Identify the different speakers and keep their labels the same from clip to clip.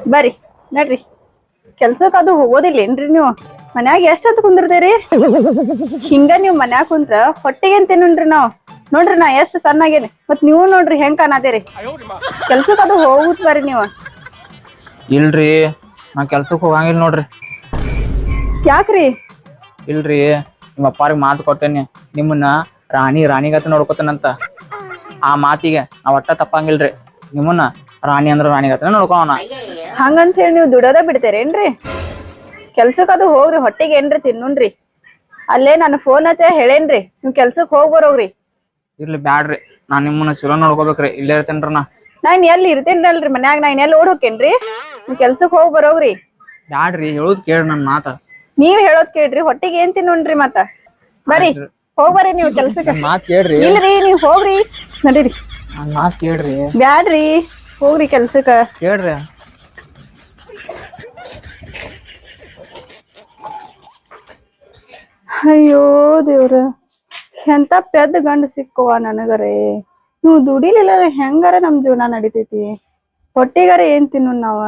Speaker 1: ಬರ್ರಿ ನಡ್ರಿ ಕೆಲ್ಸಕ್ ಅದು ಹೋಗೋದಿಲ್ಲೇನ್ರಿ ನೀವು ಮನ್ಯಾಗ ಎಷ್ಟೊತ್ತು ಕುಂದಿರ್ತೀರಿ ಹಿಂಗ ನೀವ್ ಮನ್ಯಾಗ ಕುಂತ್ರ ಹೊಟ್ಟಿಗೆ ತಿನ್ನನ್ರಿ ನಾವ್ ನೋಡ್ರಿ ನಾ ಎಷ್ಟ್ ಸಣ್ಣಾಗೇನಿ ಮತ್ ನೀವು ನೋಡ್ರಿ ಹೆಂಗ್ ಕಾಣತೀರಿ ಕೆಲ್ಸಕ್ ಅದು ಹೋಗುತ್ ಬರ್ರಿ ನೀವ
Speaker 2: ಇಲ್ರಿ ನಾ ಕೆಲ್ಸಕ್ ಹೋಗಂಗಿಲ್ಲ ನೋಡ್ರಿ.
Speaker 1: ಯಾಕ್ರಿ?
Speaker 2: ಇಲ್ರಿ ನಿಮ್ಮ ಅಪ್ಪಾರಿಗೆ ಮಾತು ಕೊಟ್ಟೇನಿ ನಿಮ್ಮನ್ನ ರಾಣಿಗತ ನೋಡ್ಕೊತಾನಂತ. ಆ ಮಾತಿಗೆ ನಾವ್ ಒಟ್ಟ ತಪ್ಪಂಗಿಲ್ರಿ. ನಿಮ್ಮನ್ನ ರಾಣಿ ಅಂದ್ರ ರಾಣಿಗತ ನೋಡ್ಕೋಣ.
Speaker 1: ಹಂಗಂತ ಹೇಳಿ ನೀವು ದುಡೋದ ಬಿಡ್ತೇರೇನ್ರಿ? ಕೆಲ್ಸಕ್ ಅದು ಹೋಗ್ರಿ ಹೊಟ್ಟಿಗೆ ಏನ್ರಿ ತಿನ್ನುನ್ರಿ. ಅಲ್ಲೇ ನಾನು ಫೋನ್ ಹಚ್ಚ ಹೇಳೇನ್ರಿ ನೀವ್ ಕೆಲ್ಸಕ್ ಹೋಗ್ ಬರೋಗ್ರಿ.
Speaker 2: ಇರ್ಲಿ ಬ್ಯಾಡ್ರಿ ನಾನ್ ನಿಮ್ಮನ್ನ ಚಲೋ ನೋಡ್ಕೋಬೇಕ್ರಿ. ಇಲ್ಲೇ ಇರ್ತೇನ್ರಿ
Speaker 1: ನಾನ್ ಎಲ್ಲಿ ಇರ್ತೇನ್ರಲ್ರಿ ಮನ್ಯಾಗ ನಾನ್ ಎಲ್ಲಿ ಓಡ್ ಹೋಕೇನ್ರಿ. ನೀವ್ ಕೆಲ್ಸಕ್ ಹೋಗ್ ಬರೋಗ್ರಿ.
Speaker 2: ಬ್ಯಾಡ್ರಿ ಹೇಳುದ್ ಕೇಳ್ರಿ ನನ್ ಮಾತ.
Speaker 1: ನೀವ್ ಹೇಳೋದ್ ಕೇಳ್ರಿ ಹೊಟ್ಟಿಗೆ ಏನ್ ತಿನ್ನುನ್ರಿ ಮತ್ತ ಬರ್ರಿ ಹೋಗ್ಬರ್ರಿ ನೀವ್ ಕೆಲ್ಸಕ್ಕ.
Speaker 2: ಮಾತ್ ಕೇಳ್ರಿ.
Speaker 1: ಇಲ್ರಿ ನೀವ್ ಹೋಗ್ರಿ ನಡೀರಿ.
Speaker 2: ನನ್ ಮಾತ್ ಕೇಳ್ರಿ.
Speaker 1: ಬ್ಯಾಡ್ರಿ ಹೋಗ್ರಿ ಕೆಲ್ಸಕ್ಕ.
Speaker 2: ಕೇಳ್ರಿ.
Speaker 1: ಅಯ್ಯೋ ದೇವ್ರ ಎಂತ ಪೆದ್ದ ಗಂಡ ಸಿಕ್ಕುವ ನನಗರೇ. ನೀವು ದುಡಿಲಿಲ್ಲ ಹೆಂಗಾರ ನಮ್ ಜೀವನ ನಡಿತೈತಿ. ಹೊಟ್ಟಿಗಾರ ಏನ್ ತಿನ್ನು ನಾವ.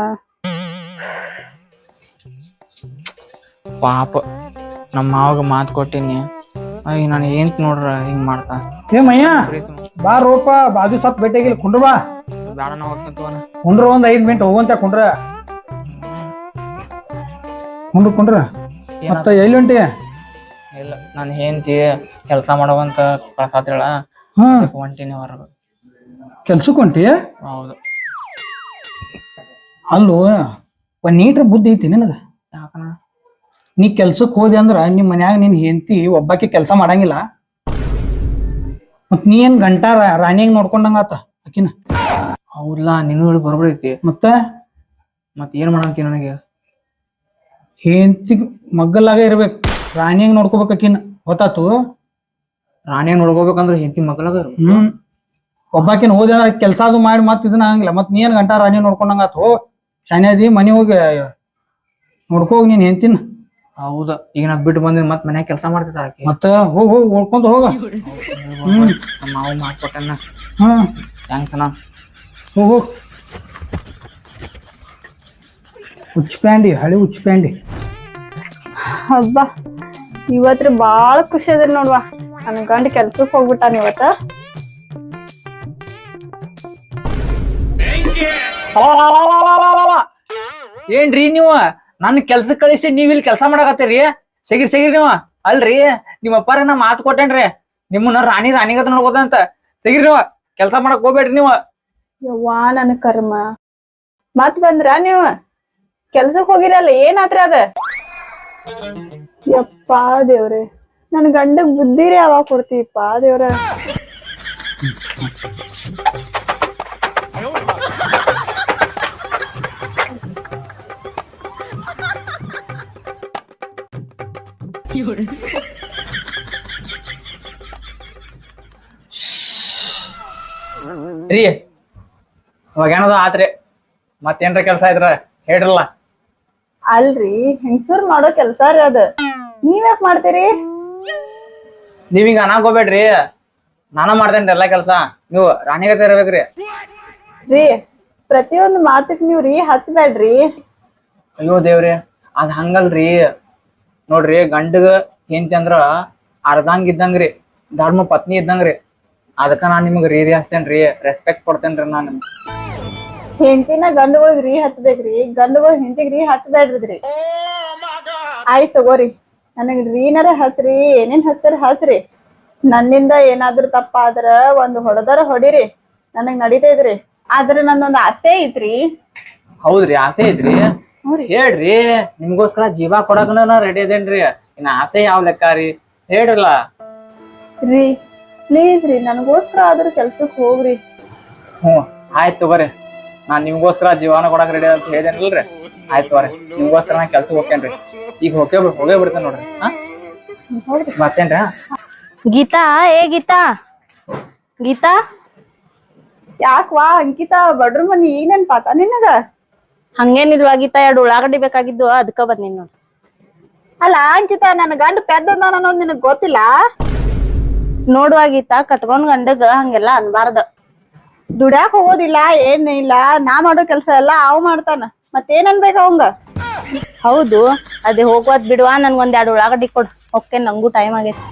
Speaker 2: ಪಾಪ ನಮ್ಮ ಮಾವಾಗ ಮಾತು ಕೊಟ್ಟಿನಿ. ನಾನು ಏನ್ ನೋಡ್ರ ಹಿಂಗ್ ಮಾಡ್ತಾ.
Speaker 3: ಏ ಮಯ್ಯ ಬಾ ರೋಪ ಬಾಜು ಸತ್ ಭೇಟಿಯಾಗಿಲ್ಲ ಕುಂಡ್ರ ಬಾ.
Speaker 2: ಬೇಡ ನಾ ಹೋಗ್ತಂತ
Speaker 3: ಕುಂಡ್ರ ಒಂದ್ 5 ಮಿನಿಟ್ ಹೋಗುವಂತ ಕುಂಡ್ರ ಕುಂಡ್ರ ಮತ್ತ ಎಲ್ಲಿ ಹೊಂಟಿ?
Speaker 2: ಇಲ್ಲ ನಾನು ಹೆಂಡತಿ ಕೆಲಸ ಮಾಡೋವಂತ ಕಳ್ಸಾತಿಳ ಹೊಂಟಿನಿ ಹೊರಗ.
Speaker 3: ಕೆಲ್ಸಕ್ ಹೊಂಟಿ?
Speaker 2: ಹೌದು.
Speaker 3: ಅಲ್ಲೋ ಒಂದ್ ನೀಟ್ರ ಬುದ್ಧಿ ಐತಿ ನಿನಗ?
Speaker 2: ಯಾಕನ?
Speaker 3: ನೀ ಕೆಲ್ಸಕ್ ಹೋದಿ ಅಂದ್ರ ನಿಮ್ ಮನ್ಯಾಗ ನಿನ್ ಹೆಂಡತಿ ಒಬ್ಬಾಕಿ ಕೆಲ್ಸ ಮಾಡಂಗಿಲ್ಲ. ಮತ್ ನೀ ಏನ್ ಗಂಟಾ ರಾಣಿಯಾಗ ನೋಡ್ಕೊಂಡಂಗ ಆತ ಆಕಿನ.
Speaker 2: ಹೌದಾ ನೀನು ಹೇಳಿ ಬರ್ಬೈತಿ.
Speaker 3: ಮತ್ತ
Speaker 2: ಏನ್ ಮಾಡಂತಿ ನನಗೆ?
Speaker 3: ಹೆಂಡತಿ ಮಗ್ಗಲಾಗ ಇರ್ಬೇಕು, ರಾಣಿಯಾಗ ನೋಡ್ಕೋಬೇಕು ಆಕಿನ. ಗೊತ್ತಾತು?
Speaker 2: ರಾಣಿಯಾಗ ನೋಡ್ಕೋಬೇಕಂದ್ರ ಹೆಂಡತಿ ಮಗ್ಗಲಾಗ
Speaker 3: ಒಬ್ಬಾಕಿನ ಹೋದ ಕೆಲ್ಸ ಅದು ಮಾಡಿ ಮತ್ ಇದನ್ನ ಆಗಂಗಿಲ್ಲ. ಮತ್ ನೀ ಏನ್ ಗಂಟಾ ರಾಣಿ ನೋಡ್ಕೊಂಡಂಗ ಆತು. ಶಾನ್ಯಾದಿ ಮನಿ ಹೋಗಿ ನೋಡ್ಕೋಗ್ ನೀನ್ ಹೆಂಡತಿನ.
Speaker 2: ಹೌದಾ ಈಗ ನಾ ಬಿಟ್ಟು ಬಂದ್ರೆ ಮತ್ ಮನ್ಯಾಗ ಕೆಲಸ ಮಾಡ್ತಿದ್ದ ಆಕಿ.
Speaker 3: ಮತ್ತ ಹೋಗ್ ಓಡ್ಕೊಂತ ಹೋಗ.
Speaker 2: ನಾವು ಮಾಡ್ಕೊಟ್ಟನ. ಥ್ಯಾಂಕ್ಸ್ ಅಣ್ಣ.
Speaker 3: ಹೋಗು ಉಚ್ಪ್ಯಾಂಡಿ ಹಳಿ ಉಚ್ಪ್ಯಾಂಡಿ.
Speaker 1: ಹಬ್ಬ ಇವತ್ರಿ ಬಾಳ ಖುಷಿ ಅದ ನೋಡ್ವಾ. ನನ್ ಗಂಡ ಕೆಲ್ಸಕ್ ಹೋಗ್ಬಿಟ್ಟಾನ ಇವತ್ತ.
Speaker 2: ಏನ್ರಿ ನೀವು ನನ್ ಕೆಲ್ಸಕ್ ಕಳಿಸಿ ನೀವ್ ಇಲ್ಲಿ ಕೆಲ್ಸ ಮಾಡಕತ್ತೀರಿ? ಸಿಗಿರಿ ನೀವ. ಅಲ್ರಿ ನಿಮ್ಮ ಅಪ್ಪಾರ ನಾ ಮಾತು ಕೊಟ್ಟೇನ್ರಿ ನಿಮ್ಮನ್ನ ರಾಣಿಗತ ನೋಡ್ಕೋದಂತ. ಸಿಗಿರಿ ನೀವ, ಕೆಲ್ಸ ಮಾಡಕ್ ಹೋಗ್ಬೇಡ್ರಿ ನೀವ.
Speaker 1: ಯವ್ವಾ ನನ್ ಕರ್ಮ. ಮತ್ ಬಂದ್ರ ನೀವ ಕೆಲ್ಸಕ್ ಹೋಗಿರಲ್ಲ ಏನಾತ್ರಿ ಅದ? ಯಪ್ಪಾ ದೇವ್ರೆ ನನ್ ಗಂಡಗ್ ಬುದ್ಧಿರೇ ಯಾವಾಗ ಕೊಡ್ತೀಪ್ಪ ದೇವ್ರ.
Speaker 2: ರೀ ಇವಾಗ ಏನದ ಆತ್ರಿ ಮತ್ತೇನ್ರ ಕೆಲ್ಸ ಇದ್ರ ಹೇಳ್ರಲ್ಲ.
Speaker 1: ಅಲ್ರಿ ಹೆಂಗಸೂರ್ ಮಾಡೋ ಕೆಲ್ಸ ರೀ ಅದ. ನೀವ್ಯಾಕ್ ಮಾಡ್ತೀರಿ?
Speaker 2: ನೀವೀಗ ಅನಾಕ್ ಹೋಗ್ಬೇಡ್ರಿ. ನಾನ ಮಾಡ್ತೇನ್ರಿ ಎಲ್ಲಾ ಕೆಲ್ಸ. ನೀವು ರಾಣಿಗತೆ ಇರ್ಬೇಕ್ರಿ.
Speaker 1: ರೀ ಪ್ರತಿಯೊಂದು ಮಾತಕ್ ನೀವ್ ರೀ ಹಚ್ಬೇಡ್ರಿ.
Speaker 2: ಅಯ್ಯೋ ದೇವ್ರಿ ಅದ್ ಹಂಗಲ್ರಿ. ನೋಡ್ರಿ ಗಂಡಗ ಹೆಂಡತಿ ಅಂದ್ರ ಅರ್ಧಂಗ್ ಇದ್ದಂಗ್ರಿ, ಧರ್ಮ ಪತ್ನಿ ಇದ್ದಂಗ್ರಿ. ಅದಕ್ಕ ನಾನ್ ನಿಮಗ್ ರೀ ಹಚ್ತೇನ್ರಿ, ರೆಸ್ಪೆಕ್ಟ್ ಕೊಡ್ತೇನ್ರಿ ನಾನು.
Speaker 1: ಹೆಂಡತಿನ ಗಂಡುಗಳಿಗೆ ರೀ ಹಚ್ಬೇಕ್ರಿ, ಗಂಡುಗಳು ಹೆಂಡತಿಗ್ ರೀ ಹಚ್ಬೇಡ್ರಿದ್ರಿ. ಆಯ್ತ್ ತಗೋರಿ ನನಗ್ ರೀನರ ಹಚ್ರಿ, ಏನೇನ್ ಹಚ್ತಾರ ಹಚ್ರಿ. ನನ್ನಿಂದ ಏನಾದ್ರು ತಪ್ಪ ಆದ್ರ ಒಂದ್ ಹೊಡೆದಾರ ಹೊಡಿರಿ, ನನಗ್ ನಡೀತೈತ್ರಿ. ಆದ್ರೆ ನಂದೊಂದ್ ಆಸೆ ಐತ್ರಿ.
Speaker 2: ಹೌದ್ರಿ ಆಸೆ ಐತ್ರಿ? ಹೇಳ್ರಿ, ನಿಮ್ಗೋಸ್ಕರ ಜೀವ ಕೊಡಕನ ನಾ ರೆಡಿ ಅದೇನ್ರಿ. ಇನ್ನ ಆಸೆ ಯಾವ ಲೆಕ್ಕ ರೀ ಹೇಳ್ರಲ್ಲ.
Speaker 1: ರೀ ಪ್ಲೀಸ್ ರೀ ನನಗೋಸ್ಕರ ಆದ್ರೂ ಕೆಲ್ಸಕ್ ಹೋಗ್ರಿ.
Speaker 2: ಆಯ್ತು ತಗೋರಿ, ನಾನ್ ನಿಮ್ಗೋಸ್ಕರ ಜೀವನ ಕೊಡಕ್ ರೆಡಿ ಅಂತ ಹೇಳಿದೇನಲ್ರಿ. ಆಯ್ತು ತಗೋರಿ, ನಿಮ್ಗೋಸ್ಕರ ನಾ ಕೆಲ್ಸಕ್ ಹೋಗ್ತೇನ್ರಿ. ಈಗ ಹೋಗೇ ಬಿಡ್ತೇನೆ ನೋಡ್ರಿ. ಮತ್ತೇನ್ರಿ?
Speaker 1: ಗೀತಾ ಏ ಗೀತಾ ಗೀತಾ ಯಾಕ್ವಾ ಅಂಕಿತಾ ಬಡ್ರ ಮನಿ ಈಗ ನೆನ್ಪಾತ ನಿನಗ?
Speaker 4: ಹಂಗೇನಿಲ್ವಾ ಗೀತಾ, 2 ಉಳ್ಳಾಗಡ್ಡಿ ಬೇಕಾಗಿದ್ದು ಅದಕ್ಕ ಬಂದಿನಿ ನೋಡ್.
Speaker 1: ಅಲ್ಲ ಅಂಕಿತಾ ನನ್ನ ಗಂಡ ಪೆದ್ದ ಅನ್ನೋದು ನಿನಗ್ ಗೊತ್ತಿಲ್ಲ?
Speaker 4: ನೋಡುವ ಗೀತಾ, ಕಟ್ಕೊಂಡ್ ಗಂಡಗ ಹಂಗೆಲ್ಲಾ ಅನ್ಬಾರ್ದ.
Speaker 1: ದುಡ್ಯಾಕ್ ಹೋಗೋದಿಲ್ಲ ಏನ್ ಇಲ್ಲ, ನಾ ಮಾಡೋ ಕೆಲ್ಸ ಎಲ್ಲಾ ಅವ್ ಮಾಡ್ತಾನ. ಮತ್ತೇನ್ ಅನ್ಬೇಕ ಅವಂಗ?
Speaker 4: ಹೌದು ಅದೇ ಹೋಗ್ವಾದ್ ಬಿಡುವ ನನ್ಗೊಂದ್ 2 ಉಳ್ಳಾಗಡ್ಡಿ ಕೊಡ್. ಓಕೆ ನಂಗೂ ಟೈಮ್ ಆಗೈತಿ.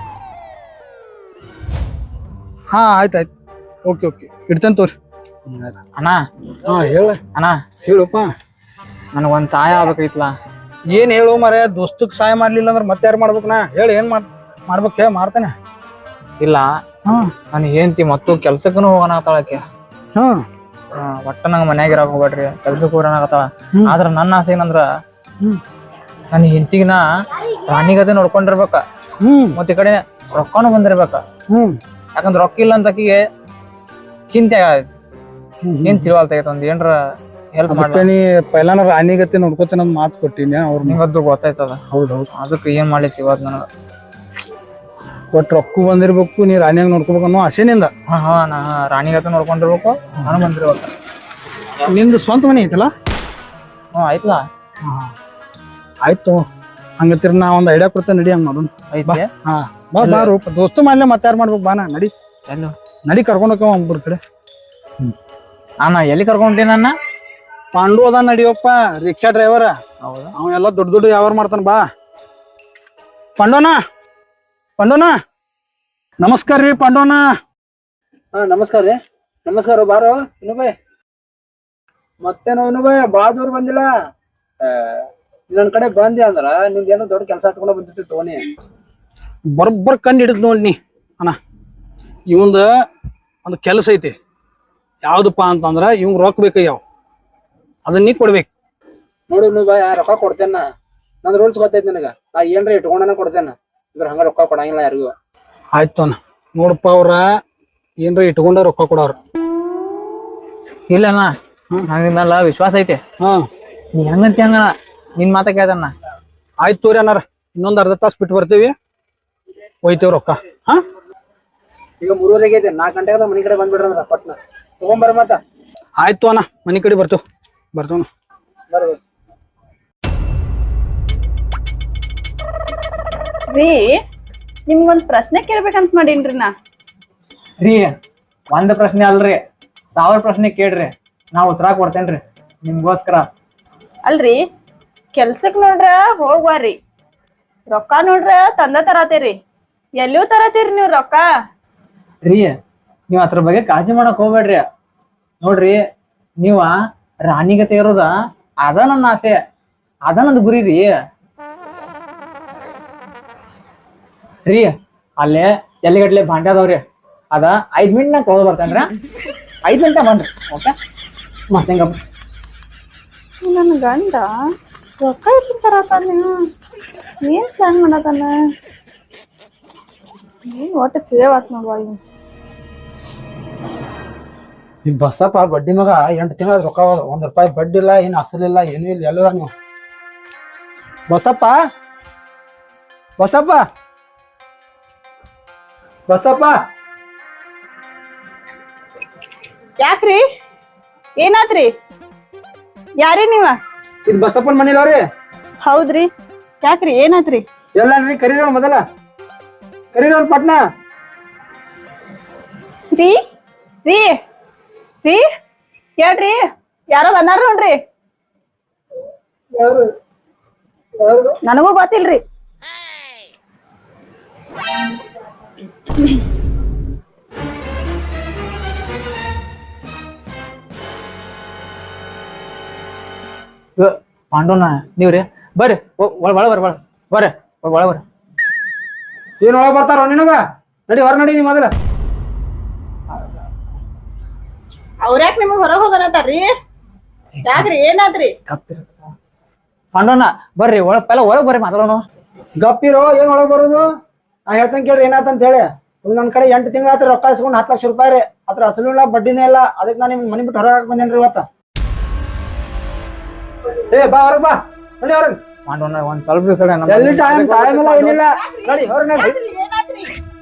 Speaker 3: ಹಾ ಆಯ್ತು ಓಕೆ ಇಡ್ತೇನೆ ತೋರಿ.
Speaker 2: ಅಣ್ಣ
Speaker 3: ಹಾ ಹೇಳ
Speaker 2: ಅಣ್ಣ
Speaker 3: ಹೇಳಪ್ಪ.
Speaker 2: ನನಗೊಂದ್ ಸಹಾಯ ಆಗ್ಬೇಕೈತ್ಲ.
Speaker 3: ಏನ್ ಹೇಳು ಮರ, ದೋಸ್ತಕ್ ಸಹಾಯ ಮಾಡ್ಲಿಲ್ಲ ಅಂದ್ರೆ ಮತ್ತೆ ಯಾರು ಮಾಡ್ಬೇಕು? ನಾ ಹೇಳಿ ಏನ್ ಮಾಡ್ಬೇಕು ಹೇಳಿ ಮಾಡ್ತಾನೆ.
Speaker 2: ಇಲ್ಲ
Speaker 3: ಹಾ
Speaker 2: ನನ್ ಹೆಂಡತಿ ಮತ್ತು ಕೆಲ್ಸಕ್ಕೂ ಹೋಗೋಣ ಆತಾಳಕ್ಕೆ.
Speaker 3: ಹಾ
Speaker 2: ಒಟ್ಟ ನಂಗ ಮನ್ಯಾಗ ಇರಾಕ್ ಹೋಗ್ಬೇಡ್ರಿ, ಕೆಲ್ಸಕ್ಕೆ ಹೋಗೋಣಾಗತ್ತಾಳ.
Speaker 3: ಹ್ಮ್.
Speaker 2: ಆದ್ರ ನನ್ನ ಆಸೆ ಏನಂದ್ರ
Speaker 3: ಹ್ಮ್
Speaker 2: ನನ್ನ ಹೆಂಡತಿಗಿನ ರಾಣಿಗತೆ ನೋಡ್ಕೊಂಡಿರ್ಬೇಕ. ಮತ್ತ ಈ ಕಡೆ ರೊಕ್ಕನು ಬಂದಿರ್ಬೇಕ. ಯಾಕಂದ್ರ ರೊಕ್ಕ ಇಲ್ಲ ಅಂತ ಆಕಿಗೆ ಚಿಂತೆ ಆಗೈತಿ. ಏನ್ ತಿಳುವಲ್ತಾಗೈತೆ ಒಂದ್ ಏನ್ರ ಹೆಲ್ಪ್ ಮಾಡ್ಲಿ.
Speaker 3: ನೀ ಪೈಲಾನ ರಾಣಿಗತಿ ನೋಡ್ಕೋತೇನೆ ಅಂತ ಮಾತು ಕೊಟ್ಟಿನಿ ಅವ್ರ.
Speaker 2: ನಿಂಗದ್ದು ಗೊತ್ತಾಯ್ತದ.
Speaker 3: ಹೌದೌದು.
Speaker 2: ಅದಕ್ಕೆ ಏನ್ ಮಾಡ್ಲಿಕ್ಕೆ ಇವತ್ತು ನನಗ
Speaker 3: ಒಟ್ಟು ರೊಕ್ಕ ಬಂದಿರ್ಬೇಕು, ನೀ ರಾಣಿಯಾಗ ನೋಡ್ಕೋಬೇಕು ಅನ್ನೋ ಆಸೆನಿಂದ.
Speaker 2: ಹಾ ನಾ ರಾಣಿಗತೆ ನೋಡ್ಕೊಂಡಿರ್ಬೇಕು, ನಾನು ಬಂದಿರ್ಬೇಕ.
Speaker 3: ನಿಂದು ಸ್ವಂತ ಮನೆ ಐತಲ್ಲ?
Speaker 2: ಆಯ್ತಲ್ಲ.
Speaker 3: ಆಯ್ತು ಹಂಗತ್ತಿರ ನಾ ಒಂದ್ ಐಡಿಯಾ ಕೊಡ್ತೇನೆ, ನಡಿ ಹಂಗ ಮಾಡೋಣ.
Speaker 2: ಐತಿ.
Speaker 3: ಹಾ ಬಾ ಬಾರು ದೋಸ್ತು ಮಾಡ್ಲೆ ಮತ್ತೆ ಯಾರು ಮಾಡ್ಬೇಕು? ಬಾನ ನಡಿ
Speaker 2: ಎಲ್ಲೋ
Speaker 3: ನಡಿ ಕರ್ಕೊಂಡು ಹೋಗ್ಯಾವ ಒಬ್ಬರ ಕಡೆ.
Speaker 2: ಅಣ್ಣ ಎಲ್ಲಿ ಕರ್ಕೊಂಡಿ ನನ್ನ?
Speaker 3: ಪಾಂಡು ಅದ ನಡಿಯಪ್ಪ, ರಿಕ್ಷಾ ಡ್ರೈವರ್.
Speaker 2: ಹೌದಾ?
Speaker 3: ಅವ ಎಲ್ಲ ದೊಡ್ಡ ವ್ಯವಹಾರ ಮಾಡ್ತಾನ. ಬಾ ಪಾಂಡೋನ ನಮಸ್ಕಾರ ರೀ ಪಾಂಡೋನ. ಹಾ ನಮಸ್ಕಾರ ರೀ. ನಮಸ್ಕಾರ ಬಾರೋ ಇನುಬಾಯ್. ಮತ್ತೇನೋ ಇನುಬಾಯ್ ಬಾಳ ದೂರ ಬಂದಿಲ್ಲ. ನನ್ ಕಡೆ ಬಂದಿ ಅಂದ್ರ ನಿಂದೇನೋ ದೊಡ್ಡ ಕೆಲಸ ಇಟ್ಕೊಂಡ ಬಂದಿತ್ತು ತೋನಿ. ಬರೋಬ್ಬರ್ ಕಂಡು ಹಿಡಿದ್ ನೋಡಿ ಅಣ್ಣ. ಇವಂದ ಒಂದು ಕೆಲಸ ಐತಿ. ಯಾವ್ದಪ್ಪ ಅಂತಂದ್ರ ಇವಂಗ್ ರೊಕ್ಕ ಬೇಕಯ್ಯಾವ, ಅದನ್ನ ನೀ ಕೊಡ್ಬೇಕು. ನೋಡು ಇನುಬಾಯ್, ರೊಕ್ಕ ಕೊಡ್ತೇನ. ನಂದ್ ರೂಲ್ಸ್ ಗೊತ್ತೈತಿ ನನಗ. ನಾ ಏನ್ರ ಇಟ್ಕೊಂಡನ ಕೊಡ್ತೇನ, ಇದ್ರ ಹಂಗ ರೊಕ್ಕ ಕೊಡಂಗಿಲ್ಲ ಯಾರಿಗೂ. ಆಯ್ತು ಅಣ್ಣ. ನೋಡಪ್ಪ ಅವ್ರ ಏನ್ರ ಇಟ್ಕೊಂಡ ರೊಕ್ಕ ಕೊಡವ್ರ.
Speaker 2: ಇಲ್ಲಣ್ಣ ನಂಗಿಂದಲ್ಲ ವಿಶ್ವಾಸ ಐತಿ. ನೀ ಹೆಂಗಂತಿ ಹಂಗ ನಿನ್ ಮಾತ ಕೇಳ್ದಣ್ಣ.
Speaker 3: ಆಯ್ತು ತೋರಿ ಅನ್ನಾರ, ಇನ್ನೊಂದ್ ಅರ್ಧ ತಾಸು ಬಿಟ್ಟು ಬರ್ತೀವಿ, ಒಯ್ತೇವ್ ರೊಕ್ಕ. ಹಾ ಈಗ 3:30 ಆಗೈತಿ, 4 ಗಂಟೆಗೆ ಮನಿ ಕಡೆ ಬಂದ್ಬಿಡ್ರಂದ್ರ ಪಟ್ನ ತಗೊಂಬರ ಮತ್ತ. ಆಯ್ತು ಅಣ್ಣ, ಮನಿ ಕಡೆ ಬರ್ತೇವ್ ಬರ್ರಿ.
Speaker 1: ರೀ ನಿಮ್ಗೊಂದ್ ಪ್ರಶ್ನೆ ಕೇಳ್ಬೇಕಂತ ಮಾಡೀನ್ರಿ ನಾ.
Speaker 2: ರೀ ಒಂದ್ ಪ್ರಶ್ನೆ ಅಲ್ರಿ, 1000 ಪ್ರಶ್ನೆ ಕೇಳ್ರಿ, ನಾ ಉತ್ತರ ಕೊಡ್ತೇನ್ರಿ ನಿಮ್ಗೋಸ್ಕರ.
Speaker 1: ಅಲ್ರಿ ಕೆಲ್ಸಕ್ ನೋಡ್ರ ಹೋಗ್ವಾರಿ, ರೊಕ್ಕ ನೋಡ್ರ ತಂದ ತರತೀರಿ. ಎಲ್ಲಿಯೂ ತರತೀರಿ ನೀವ್ ರೊಕ್ಕ?
Speaker 2: ರೀ ನೀವ್ ಅದ್ರ ಬಗ್ಗೆ ಕಾಳಜಿ ಮಾಡಕ್ ಹೋಗ್ಬೇಡ್ರಿ. ನೋಡ್ರಿ ನೀವ ರಾಣಿಗತೆ ಇರೋದ ಅದ ನನ್ನ ಆಸೆ, ಅದ ನಂದು ಗುರಿ ರೀ. ರೀ ಅಲ್ಲೇ ಜಲ್ಲಿಗಟ್ಲೆ ಭಾಂಡೆ ಅದಾವ್ರಿ, ಅದ 5 ಮಿನಿಟ್ನಾಗ ತೊಗೊಳ್ ಬರ್ತೇನ್ರಿ. 5 ಗಂಟೆ ಬನ್ರಿ. ಓಕೆ ಮತ್ತೇಂಗ
Speaker 1: ನನ್ ಗಂಡ ರೊಕ್ಕ ಇಟ್ಟು ತರತಾನ, ಏನ್ ಪ್ಲಾನ್ ಮಾಡತಾನ? ಏನ್ ಒಟ್ಟು ಚೇವಾತ್ ನೋಡ್ವಾ ಇವ್.
Speaker 3: ಈ ಬಸ್ಸಪ್ಪ ಬಡ್ಡಿ ಮಗ 8 ತಿಂಗಳ ರೊಕ್ಕ ₹1 ಬಡ್ಡಿ ಇಲ್ಲ, ಏನ್ ಅಸಲಿಲ್ಲ, ಏನೂ ಇಲ್ಲ. ಎಲ್ಲ ನೀವು ಬಸಪ್ಪ
Speaker 1: ಯಾಕ್ರಿ ಏನಾತ್ರಿ? ಯಾರಿ ನೀವ?
Speaker 3: ಇದು ಬಸಪ್ಪನ ಮನೇಲವ್ರಿ.
Speaker 1: ಹೌದ್ರಿ, ಯಾಕ್ರಿ ಏನಾತ್ರಿ?
Speaker 3: ಎಲ್ಲ ಕರೀರ ಮೊದಲ ಕರೀರ ಪಟ್ನ.
Speaker 1: ರೀ ರೀ ರೀ ಹೇಳ್ರಿ, ಯಾರೋ ಬಂದಾರ ನೋಡ್ರಿ. ನನಗೂ ಗೊತ್ತಿಲ್ರಿ.
Speaker 2: ಪಾಂಡೋನ ನೀವ್ರಿ ಬರ್ರಿ, ಒಳ ಬರ್ರಿ ಬರ್ರಿ ಒಳ ಬರ್ರಿ.
Speaker 3: ಏನ್ ಒಳಗ್ ಬರ್ತಾರ ನಿನಗ? ನಡಿ ಹೊರ ನಡಿ ಮೊದಲ.
Speaker 1: ಅವ್ರ್ಯಾಕ್ ನಿಮಗ್ ಹೊರಗ್ ಹೋಗನತಾರ್ರಿ? ಯಾಕ್ರಿ ಏನಾದ್ರಿ?
Speaker 2: ಪಾಂಡೋನ ಬರ್ರಿ ಒಳಗ್ ಬರ್ರಿ ಮಾತಾಡೋಣ.
Speaker 3: ಗಪ್ಪಿರೋ, ಏನ್ ಒಳಗ್ ಬರೋದು? ನಾ ಹೇಳ್ತೇನೆ ಕೇಳ್ರಿ ಏನಾತಂತ ಹೇಳಿ. ನನ್ ಕಡೆ 8 ತಿಂಗಳ ಆತ್ರ ರೊಕ್ಕ ಇಸ್ಕೊಂಡು 10 ಲಕ್ಷ ರೂಪಾಯಿ ರೀ. ಅದ್ರ ಅಸಲು ಇಲ್ಲ ಬಡ್ಡಿನೇ ಇಲ್ಲ. ಅದಕ್ಕೆ ನಾನು ನಿಮ್ ಮನಿ ಬಿಟ್ಟು ಹೊರಗೆ ಬಂದೇನ್ರಿ ಇವತ್ತ. ಬಾ ಹೊರಗ್ ಬಾ, ನಡಿ ಹೊರಗ್.
Speaker 2: ಪಾಂಡೋನ ಒಂದ್ ಸ್ವಲ್ಪ ದಿವಸ
Speaker 3: ಎಲ್ಲಿ ಟೈಮ್ ಇಲ್ಲ ಏನಿಲ್ಲ, ನಡಿ ಹೊರಗ್ ನಡಿ.
Speaker 1: ಏನಾದ್ರಿ?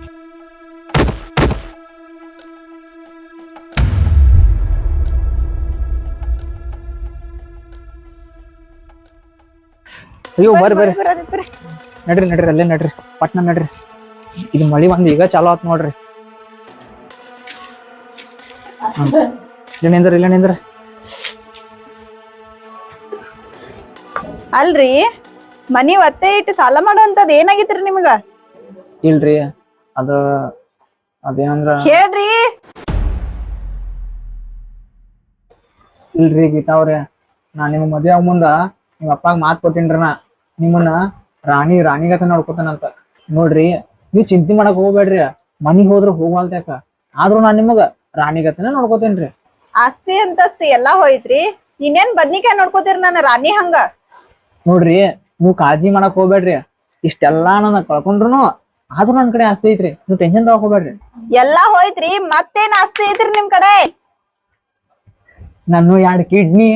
Speaker 2: ಅಯ್ಯೋ ಬರ್ರಿ ನಡ್ರಿ ಅಲ್ಲೇ ನಡ್ರಿ, ಪಟ್ನ ನಡ್ರಿ. ಇದು ಮಳಿ ಬಂದ್ ಈಗ ಚಾಲು ಆತ್ ನೋಡ್ರಿ. ಇಲ್ಲ ನಿಂದ್ರಿ
Speaker 1: ಅಲ್ರಿ ಮನಿ ಒತ್ತೆ ಇಟ್ಟು ಸಾಲ ಮಾಡುವಂತದ್ ಏನಾಗಿತ್ರಿ ನಿಮ್ಗ?
Speaker 2: ಇಲ್ರಿ ಅದ ಅದೇನಂದ್ರ
Speaker 1: ಹೇಳ್ರಿ.
Speaker 2: ಇಲ್ರಿ ಗೀತಾ ಅವ್ರೆ, ನಾ ನಿಮ್ ಮದ್ವೆ ಆಗ ಮುಂದ ನಿಮ್ ಅಪ್ಪಾಗ ಮಾತ್ ಕೊಟ್ಟಿನ್ರಿ ನಾ ನಿಮ್ಮನ್ನ ರಾಣಿಗತ ನೋಡ್ಕೊತಾನಂತ. ನೋಡ್ರಿ ನೀವ್ ಚಿಂತೆ ಮಾಡಕ್ ಹೋಗ್ಬೇಡ್ರಿ, ಮನಿಗ್ ಹೋದ್ರ ಹೋಗ್ವಾಲ್ತ್ಯಾಕ, ಆದ್ರೂ ನಾ ನಿಮಗ ರಾಣಿಗತನ ನೋಡ್ಕೋತೇನ್ರಿ.
Speaker 1: ಆಸ್ತಿ ಅಂತಸ್ತಿ ಎಲ್ಲಾ ಹೋಯ್ತ್ರಿ, ಇನ್ನೇನ್ ಬದ್ನಿಕಾಯಿ ನೋಡ್ಕೋತೀರಿ ನನ್ನ ರಾಣಿ ಹಂಗ?
Speaker 2: ನೋಡ್ರಿ ನೀವ್ ಕಾಳಜಿ ಮಾಡಕ್ ಹೋಗ್ಬೇಡ್ರಿ, ಇಷ್ಟೆಲ್ಲಾ ನನ್ನ ಕಳ್ಕೊಂಡ್ರುನು ಆದ್ರೂ ನನ್ ಕಡೆ ಆಸ್ತಿ ಐತ್ರಿ, ನೀವ್ ಟೆನ್ಷನ್ ತಗೋಕ್ ಹೋಗ್ಬೇಡ್ರಿ.
Speaker 1: ಎಲ್ಲಾ ಹೋಯ್ತ್ರಿ, ಮತ್ತೇನ್ ಆಸ್ತಿ ಐತ್ರಿ ನಿಮ್ ಕಡೆ?
Speaker 2: ನಾನು 2 ಕಿಡ್ನಿ